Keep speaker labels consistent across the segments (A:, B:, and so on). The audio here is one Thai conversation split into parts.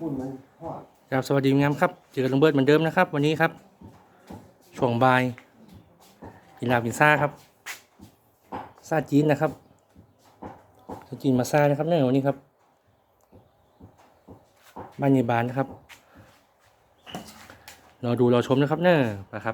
A: พูดมันทอด
B: ครับสวัสดีงามครับเจอลุงเบิร์ดเหมือนเดิมนะครับวันนี้ครับช่วงบ่ายกินลาบกินซ่าครับซ่าจีนนะครับซ่าจีนมาซ่านะครับเนี่ยวันนี้ครับบ้านยายบานนะครับรอดูรอชมนะครับเนี่ยนะครับ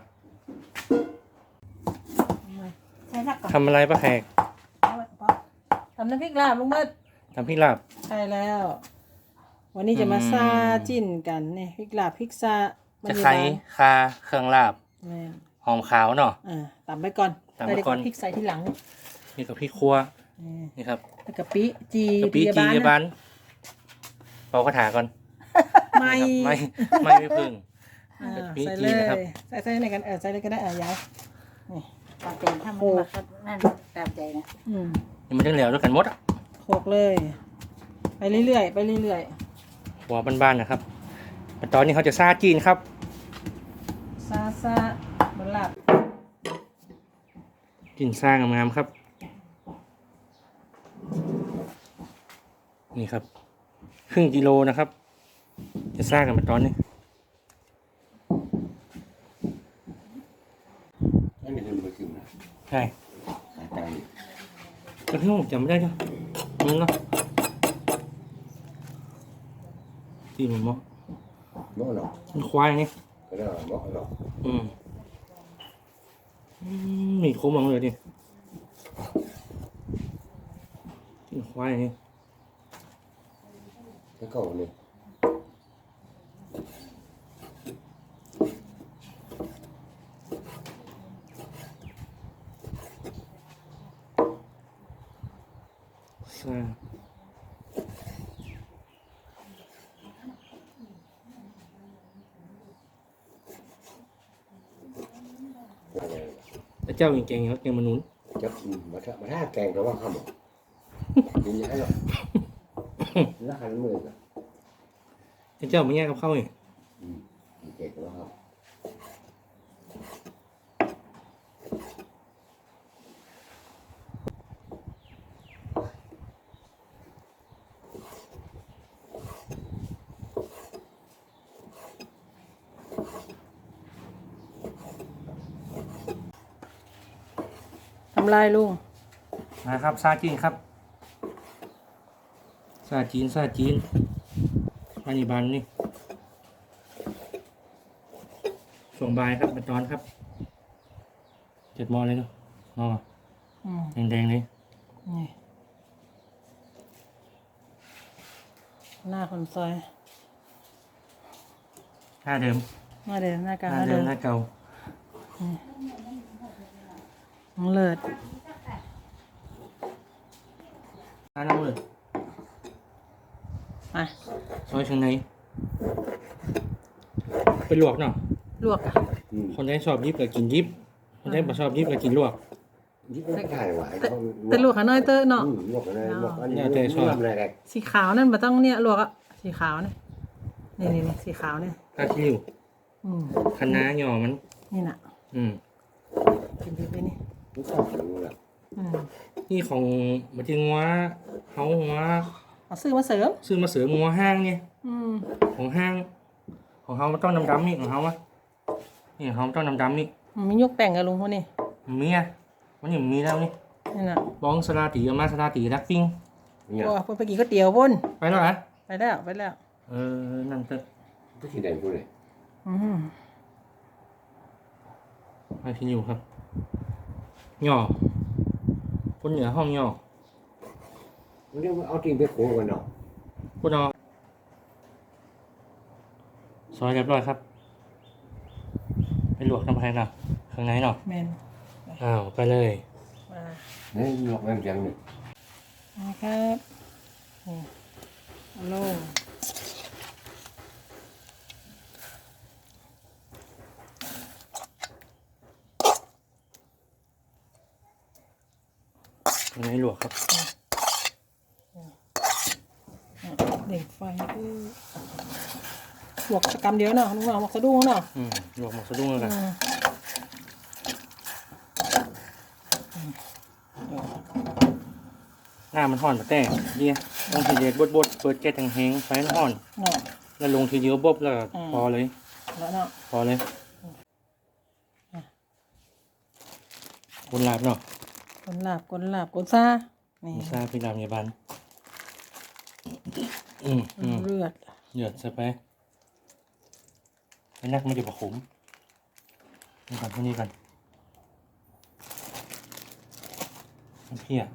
C: ใช่ทักก่อน
B: ทำอะไรป้าแขก
C: ทำน้ำพริกลาบลุงเบิด
B: ทำพริกลาบ
C: ใช่แล้ว วันนี้จะมาซาจิ้นกันเนี่ยพริกลาบพริกซา
B: จะไคร้คาเครื่องลาบ
C: แม่น
B: หอมขาวเนาะ
C: ตำไปก่อน
B: ตำไปก่อน
C: แล้วเดี๋ยวพริกใส่ที่หลัง
B: นี่กับพริกครัว
C: นี่
B: นี่ครับ
C: แล้วกะปิจี
B: กะปิจียาบานเป่ากระถาก่อน
C: ไม่
B: ไม่พึ่ง กะปิ
C: ใส่
B: จี
C: เล
B: น
C: ย
B: นะครับ
C: ใส่ในกันใส่เลยก็ได้ยายนี่
D: ปลาเป็นถ้ามันมาก็นั่นตามใจนะ
B: นี่มันจะเหลวด้วยกันหมดอ่ะ
C: โขลกเลย ไปเรื่อยๆไปเรื่อย
B: หัวบ้านๆนะครับตอนนี้เขาจะซ่าจีนครับ
C: ๆซาบนลาบ
B: จีนซ่างามๆครับนี่ครับครึ่งกิโลนะครับจะซ่ากันมาตอนนี้
A: ไม่มีเงินไปกินนะ
B: ใช่
A: หาตังค์
B: ก็ที่ผมจำไม่ได้เนาะมึงเนาะที่มันเหมาะ
A: เนาะหรอก
B: มันควายนี่
A: ก็ได้เนาะหรอก
B: อืมมีโค้งมังเลยดิที่ควายนี่
A: แล้วก็เนี่ย
B: ซ่าแล้วเจ้าเก่งๆครับเก่งมนุษย์
A: จะมาท่าแกงก็ว่าข้าวหมกกินยังไงหรอกแล้วหันมือกัน
B: เจ้าไม่แย่กับเข้าเนี่ย
A: แกงก็ว่าข้าว
C: ทำลายลุง
B: นะครับซาจีนครับซาจีนบ้านอีบานนี่ช่วงบ่ายครับเป็นตอนครับ7 โมงเลยเนาะอ๋อ แดงๆเลย
C: นี่หน้าคนซอย
B: ท่าเดิม
C: หน้าเดิมหน้ากลาง
B: ท่าเดิมท่าเก่า
C: น้องเลิศ
B: ท่าน้ำเลย
C: มา
B: ซอยเชียงในไปลวกเนาะ
C: ลวกอ่ะ
B: คนได้ชอบยิบก็กินยิบคนได้ไม่ชอบยิบก็กินลวก
A: ยิ่งไม่ได้หวาน
C: แต่ลวกขาน้อยเตอเนาะ
A: ลวกอะไรลวกอันนี้
B: แต่ชอบ
A: อะไรแรก
C: สีขาวนั่นมาต้องเนี่ยลวกอ่ะสีขาวเนี่ยนี่สีขาวเนี่ย
B: ข้าคิริวคะน้าหย่อมัน
C: นี่น่ะ กินไปนี่
A: ไม่ชอบหนูละ
B: นี่ของมาที่งัวเขาหัว
C: เอาซื้อมาเสริม
B: ซื้อมาเสืองัวห้างเนี่ย ของห้าง ของเขามันต้องดำๆนี่ของเขาวะนี่ของเขามันต้องดำๆนี่
C: มียกแต่งกับลุงคนนี้
B: มีอ่ะมันยังมีแล้วนี่
C: นี่น่ะ
B: บ้องสลาตีเอามาสลาตีรักปิ้ง
A: เนี่ย
C: โอ้ไปกินก๋วยเตี๋ยวบน
B: ไปแล้วเหรอ
C: ไปแล้ว
B: นั่นเถอะ
A: ก็กินได้พูดเลย
B: ไปที่อยู่ครับหย่อคนเหนือห้องหย่อ
A: วันนี้เอาจริงไปโขกันเนาะ
B: คุณเอาซอยเรียบร้อยครับไปลวกน้ำแข็งนะข้างในเนาะ
C: แมน
B: อ้าวไปเลย
C: มา
A: นี่ลวกแบบยังเนี่ย
C: ครับนี่เอาลง
B: ข้างในลวกครับ
C: เด็กไฟลวกสักกำเดียวเนาะลุงเอาหมกสะดุ้งเนาะ
B: ลวกหมกสะดุ้งแล้วกันหน้ามันห่อนมาแต่เนี่ยต้องทีเด็ดบดเปิดแก๊สแห้งๆไฟมันห่อน
C: เนาะ
B: แล้วลงทีเดียวบ๊อบแล้วก็พอเลย
C: แล้วเนาะ
B: พอเลยคนลาบเนาะ
C: กลาบกลซานี่
B: มีซาพี่ดำยาบัน
C: เลือด
B: เหยือดใช่ไหมไอ้นักไม่ได้ประขมนี่ก่อนพวกนี้กันน้ำเพี้ย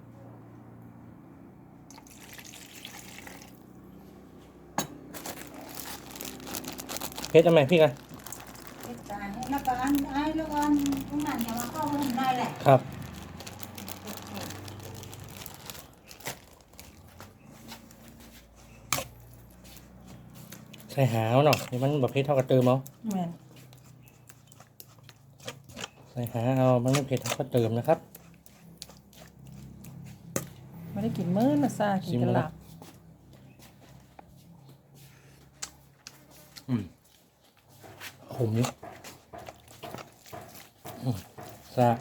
B: เพชรทำไมพี่กัน
D: แล้วก็อันไอ้แล้วก็อันตรงนั้นอย่ามาเข้าไปได้แหละ
B: ครับใส่หาวเนาะนี่มันแบบเพชรเท่ากับเติมเอา
C: แม่น
B: ใส่หาเอามันไม่เผ็ดเท่ากับเติมนะครับ
C: ไม่ได้กินมื้อนะซากินกะลาบ
B: ขมนี่ซา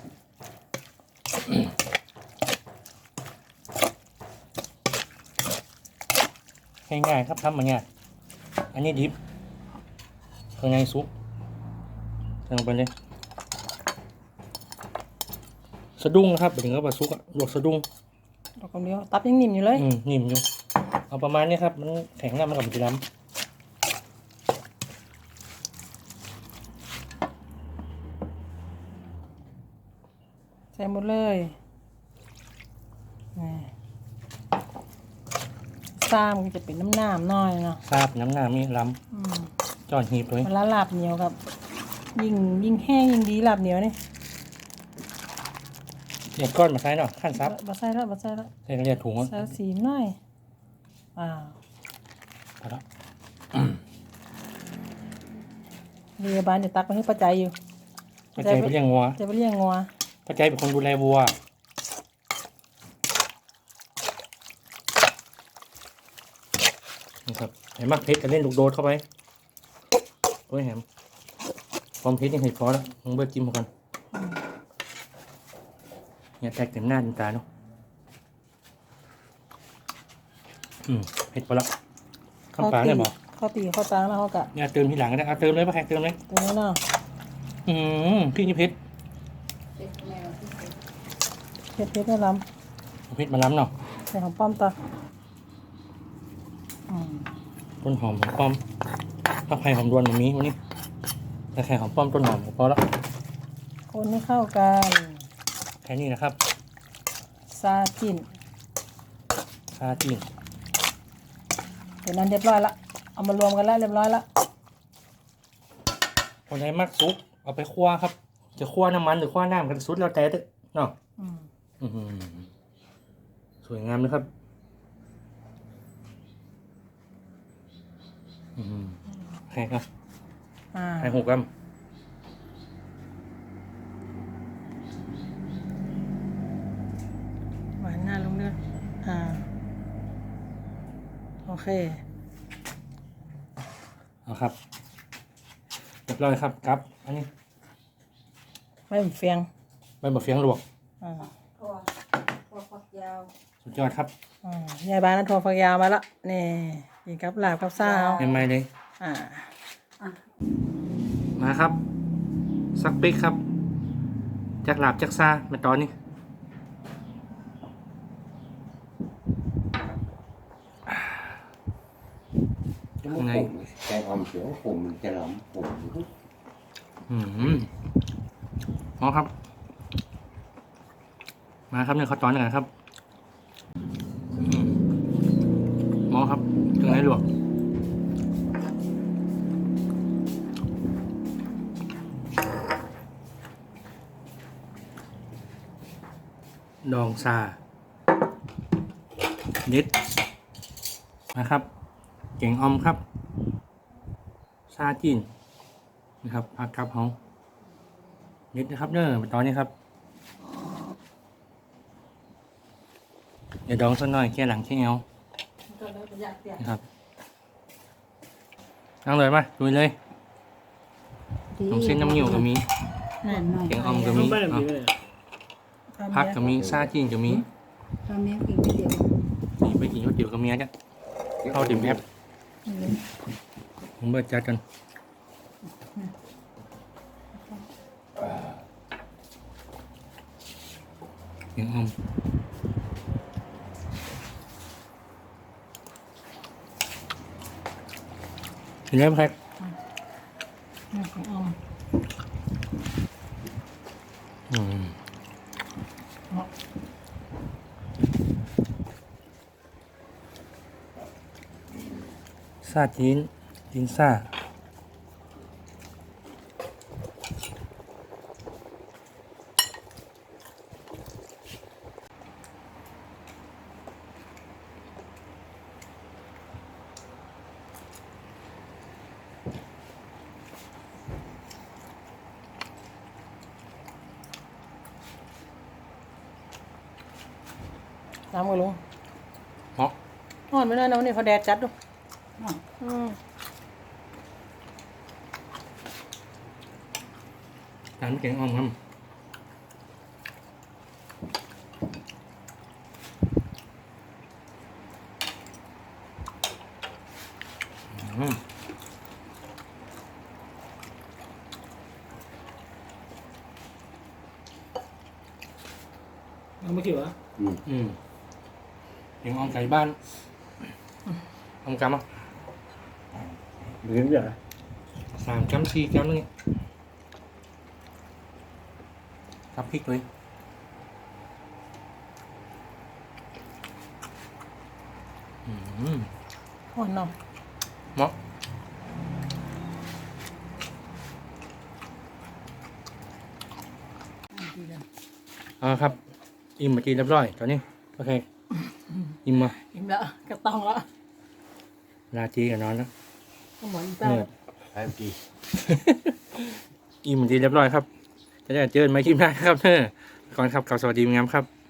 B: ง่ายๆครับทำมาเนี่ยอันนี้ดิบข้างในซุปใส่ลงไปเลยสะดุ้งครับถึงกับว่าซุปอะลวกสะดุ้ง
C: ดอกคนเดียวตับยังนิ่มอยู่เลย
B: นิ่มอยู่เอาประมาณนี้ครับมันแข็งแล้วมันกับมันจะล้ำ
C: ใส่หมดเลยนี่ซามันจะเป็นน้ำหน่อยเนาะ
B: ทราบน้ำหน้ามีล้
C: อืม
B: ำจอนหีบเลย
C: เวลาลาบเหนียวครับยิ่งแห้งยิ่งดีลาบเหนียวนี่
B: เรียกก้อนมาใช้เนาะขั้นซับ
C: บ่ใส่แล้ว
B: ใส่เรียกถุงอ่ะ
C: ใส่สีหน่อยว้าว
B: พอแล้ว
C: เรียบานจะตักไปให้ป้าใจอยู่
B: ป้าใจไปเลี้ยงวัว
C: จะไปเลี้ยงงัว
B: ป้าใจเป็นคนดูแลวัวนี่ครับไอ้มักเพชรกันเล่นลูกโดดเข้าไปโอ้ยแหมความเพชรยังเห็นพอแล้วมึงเบิร์จิ้มมาก่อนอย่าแตกเต็มหน้าเต็มตาเนาะเผ็ดพอแล้วข้าวปลาเนี่ยบอก
C: ข้าวตีข้าวตังแล้วเขากะ
B: เนี่ยเติมทีหลังก็ได้เอาเติมเลยป้าแขกเติมเลย
C: ตัวนี้เนาะ
B: พี่นี่เพชร
C: เผ็ดไม่ล้
B: เอาเพชรมาล้ำเนาะ
C: ำใส่หอมป้อมต่ออืม
B: ต้นหอมป้อมถ้าไข่หอมดวนแบบนี้วันนี้แต่ไข่หอมป้อมต้นหอมก็พอแล้ว
C: คนให้เข้ากัน
B: แค่นี้นะครับ
C: ซาจิ้น
B: ซาจีน
C: เดี๋ยวนั้นเรียบร้อยละเอามารวมกันแล้วเรียบร้อยละ
B: คนไหนมักซุปเอาไปคั่วครับ จะคั่วน้ำมันหรือคั่วน้ำกันสุดแล้วแต่เด้อเนาะ
C: อืม
B: สวยงามเลยครับแค่ครับ
C: อ่า
B: ไข่หกกรัม
C: หวานหน้าลงเลือดโอเค
B: เอาครับเรียบร้อยครับครับอันนี้
C: ไม่เฟียง
B: ใบบะเฟียงลวก
C: อ่า
D: ตัวฝักยาว
B: สุดยอดครับ
C: ยายบ้านนั้นโทรฟักยาวมาละนี่กินกับลาบกับซาว
B: ใหม่ๆเลย
C: อ่า
B: มาครับสักปิ๊กครับจากหลาบจากซามาตอนนี้
A: มันขมแต่ความเสียวขมมันจะหล้ำขม
B: มาครับ มาครับเนี่ยเขาตอนกันครับมองครับถึงไหนหลวกดองซานิดนะครับเก่งอมครับซาจีนนะครับผักกับเขานิดนะครับเนอะตอนนี้ครับเดี๋ยวดองสักหน่อยแค่หลังแค่เอวนะครับนั่งเลยมาดูเลยน้ำเส้นน้ำเหนียวก็มี
D: นั่นหน่อย
B: เก่งอมก็มีผักก็มีซาจีนก็มี
D: ตอนนี้กินก๋วยเตี๋ยว
B: นี่ไปกินก๋วยเตี๋ยวกับเมียจ้ะเข้าดื่มแอปผมเบิดจัดกันยังอมเห็นไหมครับ
C: ของอม
B: อืมซาจีนจีนซ่า
C: ตามกันลุง
B: เหมาะ
C: อ่อนไม่ได้นะวันนี้เขาแดดจัดดูอืม
B: ร้านแกงอ่อมครับอืม
C: เอาไม่กี่วะ
B: อืมแกงอ่อมไก่บ้านทำกำอ่ะ
A: เลี้ยงอย่าง
B: 3 กำ 4 กำนี่กับพริกเลยอืม
C: อ่อนเนาะ
B: เหมาะครับ อิ่มมาจีนเรียบร้อยตอนนี้โอเคอิ่มมา
C: อิ่มแล้วกระตองแล้ว
B: ลาจีกับนอนแล้ว
C: ก็หมอนเต้า
B: เหนื่อย
A: ไอ้กี่
B: อิ่มมาจีนเรียบร้อยครับ จะได้เจอกันไหมคลิปหน้าครับก่อนครับกลับสวัสดีงามครับ